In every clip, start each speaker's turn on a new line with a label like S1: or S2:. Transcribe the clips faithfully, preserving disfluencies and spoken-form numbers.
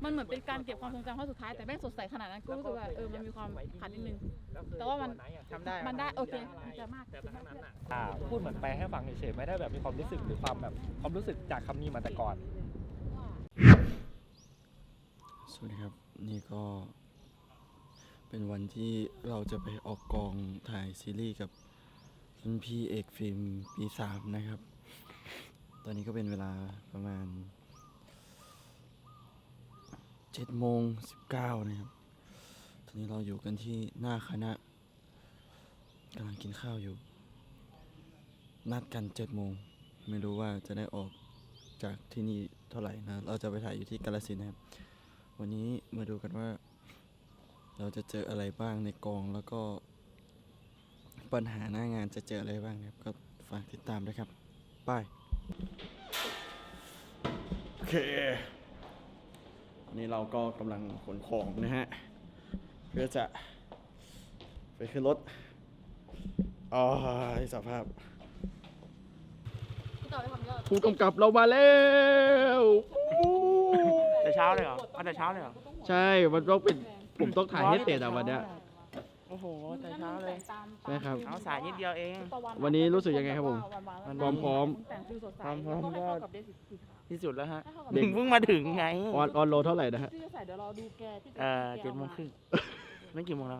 S1: มันเหมือนเป็นการเก็บความทรงจำครั้งสุดท้ายแต่แม่งสดใสขนาดนั้นก็รู้สึกว่าเออมันมีความขาดนิดนึงแต่ว่ามันทำได้มันได้โอเคจะมากแต่ทั้งนั้น
S2: อ่าพูดเหมือนไปให้ฟังเฉยๆไม่ได้แบบมีความรู้สึกหรือความแบบความรู้สึกจากคำนี้มาแต่ก่อน
S3: สวัสดีครับนี่ก็เป็นวันที่เราจะไปออกกองถ่ายซีรีส์กับรุ่นพี่เอกฟิล์มปีสามนะครับตอนนี้ก็เป็นเวลาประมาณเจ็ดโมงสิบเก้านะครับตอนนี้เราอยู่กันที่หน้าคณะกำลังกินข้าวอยู่นัดกันเจ็ดโมงไม่รู้ว่าจะได้ออกจากที่นี่เท่าไหร่นะเราจะไปถ่ายอยู่ที่กาฬสินธุ์นะครับวันนี้มาดูกันว่าเราจะเจออะไรบ้างในกองแล้วก็ปัญหาหน้างานจะเจออะไรบ้างนะครับก็ฝากติดตามด้วยครับไปโอเคนี่เราก็กำลังขนของนะฮะเพื่อจะไปขึ้นรถอ๋อสภาพผู้กำกับเรามาแล้ว
S2: แต่เช้าเลยเหรอเอาแต่เช้าเลยเหรอ
S3: ใช่มันต้องเป็นผมต้องถ่ายให้เสร็จอ่ะวันเนี้ย
S2: โอ้โหแต่เช้าเลย
S3: ใช่ครับ
S2: เอาสายนิดเดียวเอง
S3: วันนี้รู้สึกยังไงครับผมพร้อมพร้อม
S2: พร้อมพร้อมก็ที่สุดแล้วฮะเด็กเพิ่งมาถึงไง
S3: ออนออนโลเท่าไหร่นะฮะ
S2: เออเจ็ดโมงครึ่งไม่กี่โมงแล้ว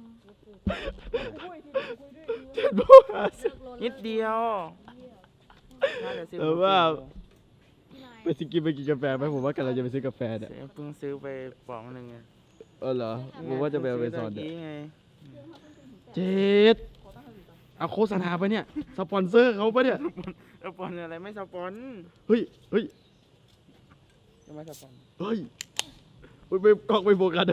S2: นิดเดียว
S3: เออว่าไปซื้อกินไปกินกาแฟไหมผมว่ากำลังจะไปซื้อกาแฟเนี่ย
S2: เพิ่งซื้อไปป๋องหนึ่ง
S3: เออเหรอผมว่าจะไปเอาไปสอนเนี่ยเจ็ดเอาโฆษณาไปเนี่ยสปอนเซอร์เขาปะเนี่ย
S2: สปอนอะไรไม่สปอน
S3: เฮ้ยเฮ้ย
S2: จะไม่สปอน
S3: เฮ้ยไปกล้องไปโฟกัส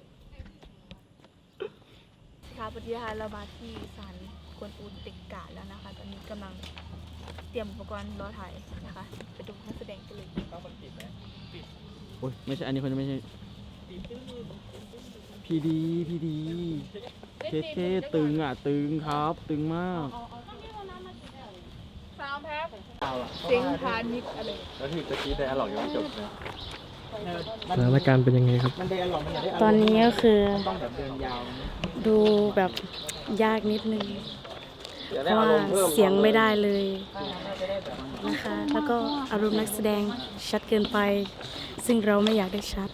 S1: ค่ะปฏิหารเรามาที่ศาลกวนอูติกาแล้วนะคะตอนนี้กำลังเตรียมอุปกรณ์รอถ่ายนะคะไปดูนักแสดงกันเลย
S2: ต้องมันปิดไหมปิด
S3: โอ้ยไม่ใช่อันนี้คนไม่ใช่พีดีพีดีเคเคตึงอ่ะตึงครับตึงมาก
S1: สาวแพ้เสียงพานิกอะไร
S2: แล้วที่ตะกี้ได้อร่อยยังไม่จบเลย
S3: สถานการณ์เป็นยังไงครับ
S4: ตอนนี้ก็คือ
S2: ต้องแบบเดินยาว
S4: ดูแบบยากนิดนึงเพราะว่าเสียงไม่ได้เลยนะคะแล้วก็อารมณ์นักแสดงชัดเกินไปซึ่งเราไม่อยากได้ชัด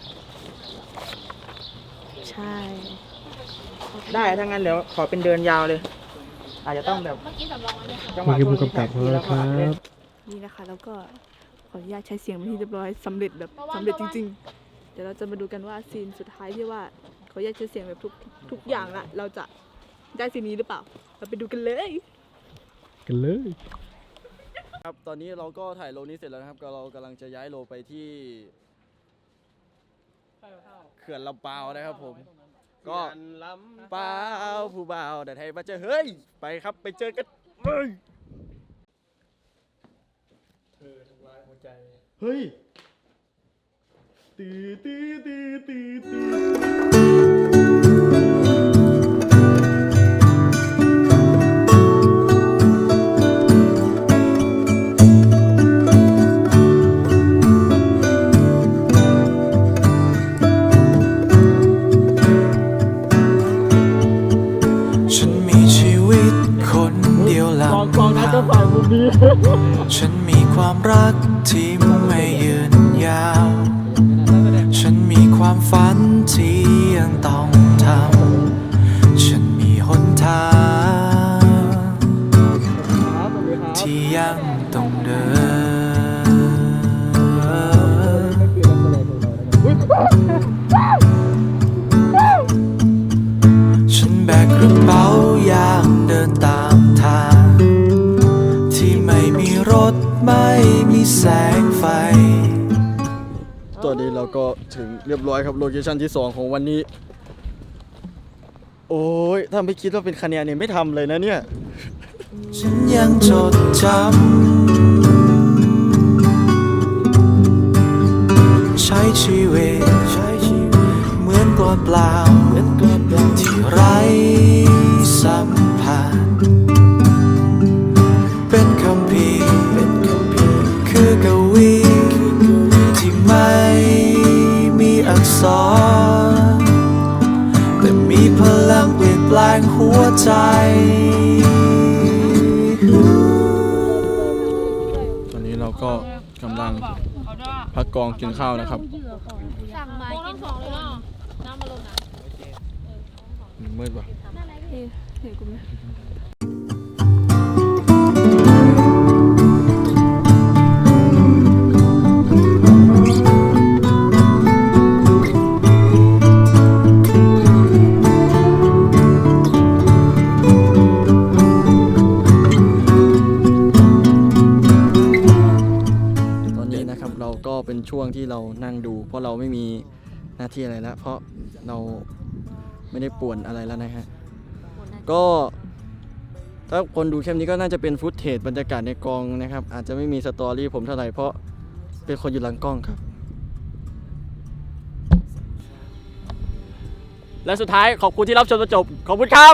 S4: ใช่
S2: ได้ถ้างั้นเดี๋ยวขอเป็นเดินยาวเลยอาจจะต้องแบบ
S3: จังหวะผู้กำกับแล้วครับ
S1: นี่นะคะแล้วก็ขออนุญาตใช้เสียงเป็นที่เรียบร้อยสำเร็จแบบสำเร็จจริงๆเดี๋ยวเราจะมาดูกันว่าซีนสุดท้ายที่ว่าขออนุญาตใช้เสียงแบบทุกทุกอย่างละเราจะได้ซีนนี้หรือเปล่าเราไปดูกันเลย
S3: กันเลยครับตอนนี้เราก็ถ่ายโลนี้เสร็จแล้วนะครับก็เรากำลังจะย้ายโลไปที่เขื่อนลำปาวนะครับผมก็ลำปาวผู้บ่าวแต่ไทยมาเจอเฮ้ยไปครับไปเจอกันเฮ้ยเธอทำลายหัวใจเฮ้ยตีตีตีตีตี
S5: ฉันมีความรักที่ไม่ยืนยาวฉันมีความฝันที่ยังต้องทำฉันมีหนทางที่ยังต้องเดินฉันแบกกระเป๋าอย่างเดินตามทางรถไม่มีแสงไฟ
S3: ตอนนี้เราก็ถึงเรียบร้อยครับโลเคชั่นที่สองของวันนี้โอ้ยถ้าไม่คิดว่าเป็นคะแนนเนี่ยไม่ทำเลยนะเนี่ย
S5: ฉันยังจดจำใช้ชีวิตเหมือนกลอนเปล่าที่ไร้สัมผัสเป็นคำพีคือกวีที่ไม่มีกษรแต่มีพลังเปลี่ยนแปลงหัวใจ
S3: ตอนนี้เราก็กำลังพักกองกินข้าวนะครับ
S6: สั่งมากินสองเลยเนาะน้ำมาลงนะ
S3: มืดว่ะ
S1: เฮ้ยเห็นกูไหม
S3: ตอนนี้นะครับเราก็เป็นช่วงที่เรานั่งดู เพราะเราไม่มีหน้าที่อะไรแล้ว เพราะเราไม่ได้ป่วนอะไรแล้วนะฮะก็ถ้าคนดูแค่นี้ก็น่าจะเป็นฟุตเทจบรรยากาศในกองนะครับ อาจจะไม่มีสตอรี่ผมเท่าไหร่เพราะเป็นคนอยู่หลังกล้องครับ และสุดท้ายขอบคุณที่รับชมจนจบขอบคุณครับ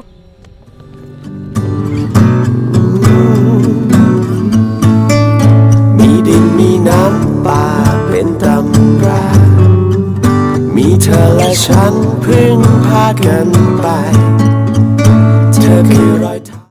S5: มีดินมีน้ำป่าเป็นตำรา มีเธอและฉันพึ่งพากันไป เธอคือรอยเท้า